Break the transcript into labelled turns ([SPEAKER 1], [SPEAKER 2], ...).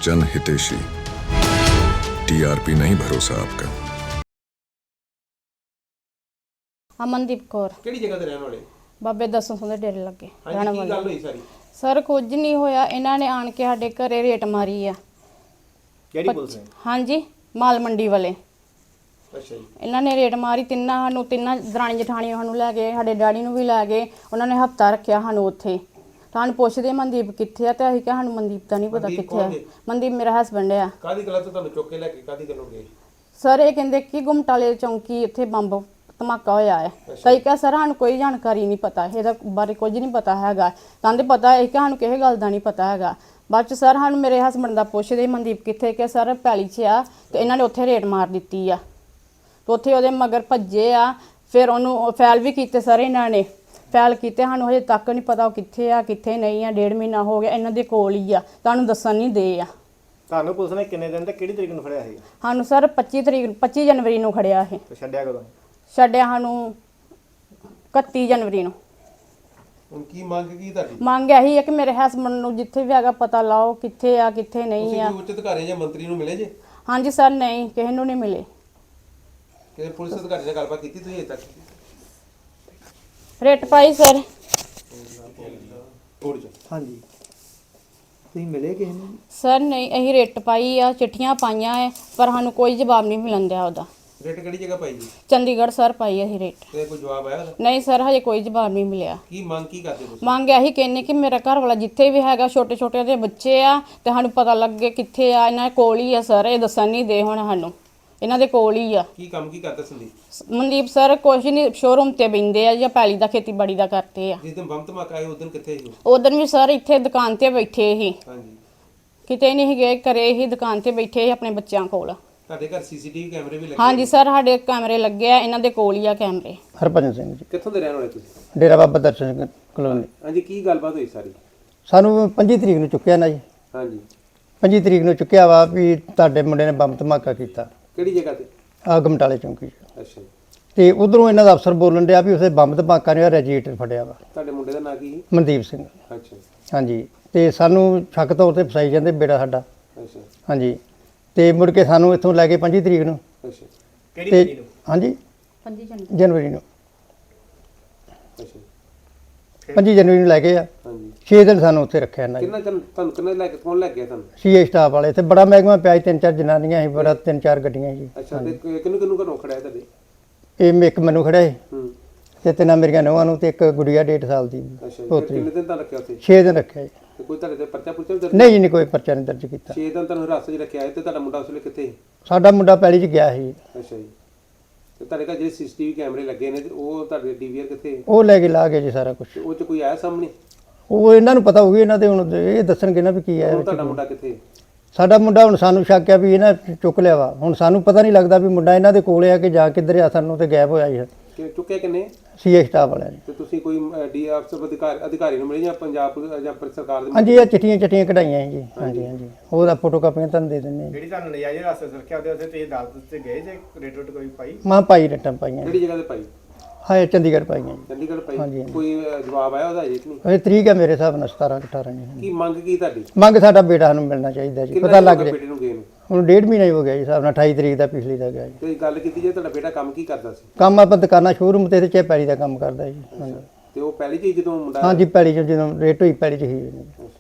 [SPEAKER 1] जन हितेशी। टीआरपी नहीं भरोसा आपका।
[SPEAKER 2] ਅਮਨਦੀਪ ਕੌਰ
[SPEAKER 3] ਕਿਹੜੀ ਜਗ੍ਹਾ ਤੇ ਰਹਿਣ ਵਾਲੇ?
[SPEAKER 2] ਬਾਬੇ ਦਸੋਂ ਦੇ ਡੇਰੇ ਲੱਗੇ ਰਹਿਣ
[SPEAKER 3] ਹਾਂਜੀ, ਕੀ
[SPEAKER 2] ਵਾਲੀ।
[SPEAKER 3] ਗੱਲ ਹੋਈ ਸਾਰੀ?
[SPEAKER 2] ਸਰ ਕੁਝ ਨਹੀਂ ਹੋਇਆ, ਇਹਨਾਂ ਨੇ ਆਣ ਕੇ ਸਾਡੇ ਘਰੇ ਰੇਟ ਮਾਰੀ ਆ।
[SPEAKER 3] ਕਿਹੜੀ ਪੁਲਿਸ ਨੇ?
[SPEAKER 2] ਹਾਂਜੀ, ਮਾਲ ਮੰਡੀ ਵਾਲੇ।
[SPEAKER 3] ਅੱਛਾ ਜੀ।
[SPEAKER 2] ਇਹਨਾਂ ਨੇ ਰੇਟ ਮਾਰੀ, ਤਿੰਨਾਂ ਦਰਾਣੀ ਜਠਾਣੀਆਂ ਸਾਨੂੰ ਲੈ ਗਏ, ਸਾਡੇ ਡੈਡੀ ਨੂੰ ਵੀ ਲੈ ਗਏ। ਉਹਨਾਂ ਨੇ ਹਫਤਾ ਰੱਖਿਆ ਸਾਨੂੰ ਉੱਥੇ। ਸਾਨੂੰ ਪੁੱਛਦੇ ਮਨਦੀਪ ਕਿੱਥੇ ਆ, ਤੇ ਅਸੀਂ ਕਿਹਾ ਸਾਨੂੰ ਮਨਦੀਪ ਦਾ ਨਹੀਂ ਪਤਾ ਕਿੱਥੇ ਆ। ਮਨਦੀਪ ਮੇਰਾ ਹਸਬੈਂਡ ਆ।
[SPEAKER 3] ਕਾਦੀ ਗੱਲ ਤੋਂ ਤੁਹਾਨੂੰ ਚੁੱਕ ਕੇ ਲੈ ਕੇ ਕਾਦੀ ਗੱਲੋਂ ਗਏ?
[SPEAKER 2] ਸਰ ਇਹ ਕਹਿੰਦੇ ਕਿ ਗੁਮਟਾਲੇ ਚੌਂਕੀ ਉੱਥੇ ਬੰਬ ਧਮਾਕਾ ਹੋਇਆ ਹੈ। ਕਈ ਕਿਹਾ ਸਰ ਸਾਨੂੰ ਕੋਈ ਜਾਣਕਾਰੀ ਨਹੀਂ ਪਤਾ, ਇਹਦਾ ਬਾਰੇ ਕੁਝ ਨਹੀਂ ਪਤਾ ਹੈਗਾ। ਕਹਿੰਦੇ ਪਤਾ ਹੈ ਕਿ ਸਾਨੂੰ ਕਿਸੇ ਗੱਲ ਦਾ ਨਹੀਂ ਪਤਾ ਹੈਗਾ। ਬਾਅਦ ਚ ਸਰ ਸਾਨੂੰ ਮੇਰੇ ਹਸਬੈਂਡ ਦਾ ਪੁੱਛਦੇ ਮਨਦੀਪ ਕਿੱਥੇ, ਕਿ ਸਰ ਪੈਲੀ 'ਚ ਆ, ਤੇ ਇਹਨਾਂ ਨੇ ਉੱਥੇ ਰੇਟ ਮਾਰ ਦਿੱਤੀ ਆ। ਤੇ ਉੱਥੇ ਉਹਦੇ ਮਗਰ ਭੱਜੇ ਆ। ਫਿਰ ਉਹਨੂੰ ਫੈਲ ਵੀ ਕੀਤੇ ਸਰ, ਇਹਨਾਂ ਨੇ ਫੈਲ ਕੀਤੇ। ਸਾਨੂੰ ਹਜੇ ਤੱਕ ਨਹੀਂ ਪਤਾ ਉਹ ਕਿੱਥੇ ਆ ਕਿੱਥੇ ਨਹੀਂ ਆ। 1.5 ਮਹੀਨਾ ਹੋ ਗਿਆ, ਇਹਨਾਂ ਦੇ ਕੋਲ ਹੀ ਆ, ਤੁਹਾਨੂੰ ਦੱਸਣ ਨਹੀਂ ਦੇ ਆ।
[SPEAKER 4] ਤੁਹਾਨੂੰ ਪੁਲਿਸ ਨੇ ਕਿੰਨੇ ਦਿਨ ਤੇ ਕਿਹੜੀ ਤਰੀਕ ਨੂੰ ਫੜਿਆ ਸੀ?
[SPEAKER 2] ਸਾਨੂੰ ਸਰ 25 ਜਨਵਰੀ ਨੂੰ ਖੜਿਆ ਇਹ।
[SPEAKER 4] ਤੇ ਛੱਡਿਆ ਕਦੋਂ?
[SPEAKER 2] ਛੱਡਿਆ ਸਾਨੂੰ 31 ਜਨਵਰੀ ਨੂੰ।
[SPEAKER 3] ਹੁਣ ਕੀ ਮੰਗ ਕੀ ਤੁਹਾਡੀ?
[SPEAKER 2] ਮੰਗ ਇਹੀ ਹੈ ਕਿ ਮੇਰੇ ਹਸਬੈਂਡ ਨੂੰ ਜਿੱਥੇ ਵੀ ਹੈਗਾ ਪਤਾ ਲਾਓ, ਕਿੱਥੇ ਆ ਕਿੱਥੇ ਨਹੀਂ ਆ।
[SPEAKER 3] ਤੁਸੀਂ ਉੱਚ ਅਧਿਕਾਰੀ ਜਾਂ ਮੰਤਰੀ ਨੂੰ ਮਿਲੇ ਜੇ?
[SPEAKER 2] ਹਾਂਜੀ ਸਰ, ਨਹੀਂ ਕਿਸੇ ਨੂੰ ਨਹੀਂ ਮਿਲੇ।
[SPEAKER 3] ਕਿ ਪੁਲਿਸ ਅਧਿਕਾਰੀ ਨਾਲ ਗੱਲਬਾਤ ਕੀਤੀ ਤੁਸੀਂ ਅਜੇ ਤੱਕ?
[SPEAKER 2] ਰੇਟ ਪਾਈ ਸਰ।
[SPEAKER 4] ਹਾਂਜੀ, ਤੁਸੀਂ ਮਿਲੇ ਕਿਸੇ ਨੂੰ?
[SPEAKER 2] ਸਰ ਨਹੀਂ, ਅਸੀਂ ਰੇਟ ਪਾਈ ਆ, ਚਿੱਠੀਆਂ ਪਾਈਆਂ ਹੈ, ਪਰ ਸਾਨੂੰ ਕੋਈ ਜਵਾਬ ਨਹੀਂ ਮਿਲਣ ਦਿਆ ਉਹਦਾ।
[SPEAKER 3] ਰੇਟ ਕਿਹੜੀ ਜਗ੍ਹਾ ਪਾਈ ਜੀ?
[SPEAKER 2] ਚੰਡੀਗੜ੍ਹ ਸਰ ਪਾਈ ਅਸੀਂ ਰੇਟ।
[SPEAKER 3] ਤੇ ਕੋਈ ਜਵਾਬ ਆਇਆ ਉਹਦਾ?
[SPEAKER 2] ਨਹੀਂ ਸਰ, ਹਜੇ ਕੋਈ ਜਵਾਬ ਨਹੀਂ ਮਿਲਿਆ।
[SPEAKER 3] ਕੀ ਮੰਗ ਕੀ ਕਰਦੇ ਤੁਸੀਂ?
[SPEAKER 2] ਮੰਗ ਇਹੀ ਕਹਿੰਨੇ ਕਿ ਮੇਰਾ ਘਰ ਵਾਲਾ ਜਿੱਥੇ ਵੀ ਹੈਗਾ, ਛੋਟੇ ਛੋਟੇ ਦੇ ਬੱਚੇ ਆ, ਤੇ ਸਾਨੂੰ ਪਤਾ ਲੱਗੇ ਕਿੱਥੇ ਆ। ਇਹਨਾਂ ਦੇ ਕੋਲ ਹੀ ਆ ਸਰ, ਇਹ ਦੱਸਣ ਨਹੀਂ ਦੇ ਹੁਣ ਸਾਨੂੰ। ਇਹਨਾਂ ਦੇ ਕੋਲ ਹੀ ਆ।
[SPEAKER 3] ਕੀ ਕੰਮ ਕੀ ਕਰਦਾ ਸੰਦੀਪ?
[SPEAKER 2] ਮਨਦੀਪ ਸਰ ਕੁਛ ਨਹੀਂ, ਸ਼ੋਰੂਮ ਤੇ ਬੈਂਦੇ ਆ ਜਾਂ ਪੈਲੀ ਦਾ ਖੇਤੀਬਾੜੀ ਦਾ ਕਰਦੇ ਆ।
[SPEAKER 3] ਜਿਸ ਦਿਨ ਬੰਬ ਧਮਾਕਾ ਆਇਆ ਉਸ ਦਿਨ ਕਿੱਥੇ ਸੀ?
[SPEAKER 2] ਉਦੋਂ ਵੀ ਸਰ ਇੱਥੇ ਦੁਕਾਨ ਤੇ ਬੈਠੇ ਸੀ,
[SPEAKER 3] ਹਾਂਜੀ।
[SPEAKER 2] ਕਿਤੇ ਨਹੀਂ ਗਏ, ਘਰੇ ਹੀ ਦੁਕਾਨ ਤੇ ਬੈਠੇ ਸੀ ਆਪਣੇ ਬੱਚਿਆਂ ਕੋਲ।
[SPEAKER 3] ਤੁਹਾਡੇ ਘਰ ਸੀਸੀਟੀਵੀ ਕੈਮਰੇ ਵੀ ਲੱਗੇ?
[SPEAKER 2] ਹਾਂਜੀ ਸਰ, ਸਾਡੇ ਕੈਮਰੇ ਲੱਗੇ ਆ, ਇਹਨਾਂ ਦੇ ਕੋਲ ਹੀ ਆ ਕੈਮਰੇ।
[SPEAKER 5] ਹਰਭਜਨ ਸਿੰਘ ਜੀ,
[SPEAKER 3] ਕਿੱਥੋਂ ਦੇ ਰਹਿਣ ਵਾਲੇ ਤੁਸੀਂ?
[SPEAKER 5] ਡੇਰਾ ਬਾਬਾ ਦਰਸ਼ਨ ਸਿੰਘ ਕਲੋਨੀ।
[SPEAKER 3] ਹਾਂਜੀ, ਕੀ ਗੱਲਬਾਤ ਹੋਈ ਸਾਰੀ?
[SPEAKER 5] ਸਾਨੂੰ 25 ਤਰੀਕ ਨੂੰ ਚੁੱਕਿਆ ਨਾ ਜੀ।
[SPEAKER 3] ਹਾਂਜੀ।
[SPEAKER 5] 25 ਤਰੀਕ ਨੂੰ ਚੁੱਕਿਆ ਵਾ ਵੀ ਤੁਹਾਡੇ ਮੁੰਡੇ ਨੇ ਬੰਬ ਧਮਾਕਾ ਕੀਤਾ
[SPEAKER 3] ਕਿਹੜੀ ਜਗ੍ਹਾ ਤੇ?
[SPEAKER 5] ਆ ਗਮਟਾਲੇ ਚੌਂਕੀ 'ਚ।
[SPEAKER 3] ਅੱਛਾ ਜੀ।
[SPEAKER 5] ਤੇ ਉਧਰੋਂ ਇਹਨਾਂ ਦਾ ਅਫਸਰ ਬੋਲਣ ਡਿਆ ਵੀ ਉਸੇ ਬੰਬ ਧਮਾਕਾ ਨੇ ਰੈਜੀਟਰ ਫੜਿਆ ਵਾ,
[SPEAKER 3] ਤੁਹਾਡੇ ਮੁੰਡੇ ਦਾ ਨਾਂ ਕੀ ਸੀ?
[SPEAKER 5] ਮਨਦੀਪ ਸਿੰਘ।
[SPEAKER 3] ਅੱਛਾ ਜੀ।
[SPEAKER 5] ਹਾਂਜੀ, ਤੇ ਸਾਨੂੰ ਸ਼ੱਕ ਤੌਰ ਤੇ ਫਸਾਈ ਜਾਂਦੇ ਬੇੜਾ ਸਾਡਾ।
[SPEAKER 3] ਅੱਛਾ।
[SPEAKER 5] ਹਾਂਜੀ, ਤੇ ਮੁੜ ਕੇ ਸਾਨੂੰ ਇੱਥੋਂ ਲੈ ਕੇ 25 ਤਰੀਕ ਨੂੰ।
[SPEAKER 3] ਅੱਛਾ।
[SPEAKER 4] ਕਿਹੜੀ
[SPEAKER 5] ਤੇ
[SPEAKER 4] ਤਰੀਕ ਨੂੰ?
[SPEAKER 5] ਹਾਂਜੀ,
[SPEAKER 2] 25
[SPEAKER 5] ਜਨਵਰੀ ਨੂੰ।
[SPEAKER 3] ਅੱਛਾ।
[SPEAKER 5] 25 ਜਨਵਰੀ ਨੂੰ ਲੈ ਕੇ ਆ।
[SPEAKER 3] ਹਾਂਜੀ।
[SPEAKER 5] 6 ਦਿਨ ਸਾਨੂੰ ਉੱਥੇ ਰੱਖਿਆ ਇਹਨਾਂ ਜੀ।
[SPEAKER 3] ਤੁਹਾਨੂੰ ਕਿੰਨੇ ਲੈ ਕੇ ਕੌਣ ਲੈ ਗਿਆ ਤੁਹਾਨੂੰ?
[SPEAKER 5] ਸੀਏ ਸਟਾਫ ਵਾਲੇ ਤੇ ਬੜਾ ਮਹਿਕਮਾ ਪਿਆ ਸੀ, 3-4 ਜਨਾਨੀਆਂ ਸੀ, ਬੜਾ 3-4 ਗੱਡੀਆਂ ਸੀ।
[SPEAKER 3] ਅੱਛਾ। ਤੇ ਕਿਹਨੂੰ ਘਰੋਂ ਖੜਿਆ ਤੁਹਾਡੇ?
[SPEAKER 5] ਇਹ ਇੱਕ ਮੈਨੂੰ ਖੜਿਆ ਸੀ,
[SPEAKER 3] ਹੂੰ।
[SPEAKER 5] ਤੇ ਤਿੰਨਾਂ ਮੇਰੀਆਂ ਨੂੰਹਾਂ ਨੂੰ, ਤੇ ਇੱਕ ਗੁੜੀਆ 1.5 ਸਾਲ ਦੀ
[SPEAKER 3] ਅੱਛਾ ਜੀ।
[SPEAKER 5] ਪੋਤਰੀ।
[SPEAKER 3] ਕਿੰਨੇ ਦਿਨ ਤਾਂ ਰੱਖਿਆ ਉੱਥੇ?
[SPEAKER 5] 6 ਦਿਨ ਰੱਖਿਆ ਜੀ।
[SPEAKER 3] ਤੇ ਕੋਈ ਤੁਹਾਡੇ ਤੇ ਪਰਚਾ ਪੁਰਚਾ ਵੀ ਦਰਜ?
[SPEAKER 5] ਨਹੀਂ ਜੀ, ਨਹੀਂ ਕੋਈ ਪਰਚਾ ਨਹੀਂ ਦਰਜ ਕੀਤਾ।
[SPEAKER 3] 6 ਦਿਨ ਤੁਹਾਨੂੰ ਹਿਰਾਸਤ 'ਚ ਰੱਖਿਆ ਹੈ। ਤੇ ਤੁਹਾਡਾ ਮੁੰਡਾ ਉਸ ਵੇਲੇ ਕਿੱਥੇ ਸੀ?
[SPEAKER 5] ਸਾਡਾ ਮੁੰਡਾ ਪੈਲੀ 'ਚ ਗਿਆ ਸੀ।
[SPEAKER 3] ਅੱਛਾ ਜੀ। ਤੇ ਤੁਹਾਡੇ ਘਰ ਜਿਹੜੇ ਸੀਸੀਟੀਵੀ ਕੈਮਰੇ ਲੱਗੇ ਨੇ ਤੇ ਉਹ ਤੁਹਾਡੇ ਡੀਵੀਆਰ ਕਿੱਥੇ ਹੈ?
[SPEAKER 5] ਉਹ ਲੈ ਕੇ ਲਾ ਗਏ ਜੀ ਸਾਰਾ ਕੁਝ।
[SPEAKER 3] ਤੇ ਉਹ 'ਚ ਕੋਈ ਆਇਆ ਸਾਹਮਣੇ?
[SPEAKER 5] ਉਹ ਇਹਨਾਂ ਨੂੰ ਪਤਾ ਹੋਊਗੀ, ਇਹਨਾਂ ਦੇ ਹੁਣ ਇਹ ਦੱਸਣਗੇ ਨਾ ਵੀ ਕੀ ਹੈ।
[SPEAKER 3] ਹੁਣ ਤੁਹਾਡਾ ਮੁੰਡਾ ਕਿੱਥੇ ਹੈ?
[SPEAKER 5] ਸਾਡਾ ਮੁੰਡਾ ਹੁਣ ਸਾਨੂੰ ਸ਼ੱਕ ਆ ਵੀ ਇਹਨਾਂ ਚੁੱਕ ਲਿਆ ਵਾ। ਹੁਣ ਸਾਨੂੰ ਪਤਾ ਨਹੀਂ ਲੱਗਦਾ ਵੀ ਮੁੰਡਾ ਇਹਨਾਂ ਦੇ ਕੋਲ ਆ ਕਿ ਜਾ ਕਿੱਧਰ ਆ, ਸਾਨੂੰ ਤੇ ਗਾਇਬ ਹੋਇਆ ਜੀ
[SPEAKER 3] ਕਿ ਚੁੱਕਿਆ ਕਿੰਨੇ?
[SPEAKER 5] ਸੀਏ ਸਟਾਫ ਵਾਲਿਆਂ ਨੇ।
[SPEAKER 3] ਤੇ ਤੁਸੀਂ ਕੋਈ ਡੀ ਅਫਸਰ ਅਧਿਕਾਰੀ ਨੂੰ ਮਿਲੇ ਜਾਂ ਪੰਜਾਬ ਪੁਲਿਸ ਜਾਂ ਸਰਕਾਰ ਦੇ?
[SPEAKER 5] ਹਾਂਜੀ, ਇਹ ਚਿੱਠੀਆਂ ਕਢਾਈਆਂ ਜੀ। ਹਾਂਜੀ ਹਾਂਜੀ, ਉਹਦਾ ਫੋਟੋ ਕਾਪੀਆਂ ਤੁਹਾਨੂੰ ਦੇ ਦਿੰਦੇ ਹਾਂ ਜੀ।
[SPEAKER 4] ਜਿਹੜੀ ਤੁਹਾਨੂੰ ਨਜਾਇਜ਼ ਰਸਤੇ ਰੱਖਿਆ ਉਹਦੇ ਉੱਤੇ ਤੁਸੀਂ ਅਦਾਲਤ 'ਚ ਗਏ ਜੇ? ਰੇਟ ਕੋਈ ਪਾਈ?
[SPEAKER 5] ਮਾਂ ਪਾਈ ਰਟਾਂ ਪਾਈਆਂ ਜੀ।
[SPEAKER 3] ਕਿਹੜੀ ਜਗ੍ਹਾ ਤੇ ਪਾਈ?
[SPEAKER 5] ਹਾਂ, ਚੰਡੀਗੜ੍ਹ ਪਾਈਆਂ ਜੀ।
[SPEAKER 3] ਚੰਡੀਗੜ੍ਹ ਪਾਈ?
[SPEAKER 5] ਹਾਂਜੀ, ਹਾਂਜੀ।
[SPEAKER 3] ਕੋਈ ਜਵਾਬ ਆਇਆ ਉਹਦਾ ਅਜੇ ਕਿ ਨਹੀਂ?
[SPEAKER 5] ਇਹ ਤਰੀਕ ਹੈ ਮੇਰੇ ਹਿਸਾਬ ਨਾਲ 17-18 ਜੀ।
[SPEAKER 3] ਕੀ ਮੰਗ ਕੀ ਤੁਹਾਡੀ?
[SPEAKER 5] ਮੰਗ ਸਾਡਾ ਬੇਟਾ ਸਾਨੂੰ ਮਿਲਣਾ ਚਾਹੀਦਾ ਜੀ,
[SPEAKER 3] ਕਿੰਨਾ
[SPEAKER 5] ਪਤਾ ਲੱਗ
[SPEAKER 3] ਚਿਰ
[SPEAKER 5] ਜੇ।
[SPEAKER 3] ਬੇਟੇ ਨੂੰ ਗਏ ਨੇ?
[SPEAKER 5] ਹੁਣ 1.5 ਮਹੀਨਾ ਹੀ ਹੋ ਗਿਆ ਜੀ ਹਿਸਾਬ ਨਾਲ, 28 ਤਰੀਕ ਦਾ ਪਿਛਲੀ ਦਾ ਗਿਆ ਜੀ।
[SPEAKER 3] ਤੇ ਗੱਲ ਕੀਤੀ ਜੇ ਤੁਹਾਡਾ ਬੇਟਾ ਕੰਮ ਕੀ ਕਰਦਾ ਸੀ?
[SPEAKER 5] ਕੰਮ ਆਪਾਂ ਦੁਕਾਨਾਂ ਸ਼ੋਰੂਮ ਤੇ ਚੇ ਪੈਲੀ ਦਾ ਕੰਮ ਕਰਦਾ ਜੀ। ਹਾਂਜੀ
[SPEAKER 3] ਤੇ ਉਹ ਪਹਿਲੀ ਚੀਜ਼ ਜਦੋਂ ਮੁੰਡਾ?
[SPEAKER 5] ਹਾਂਜੀ, ਪੈਲੀ 'ਚ ਜਦੋਂ ਰੇਟ ਹੋਈ ਪੈਲੀ 'ਚ ਹੀ।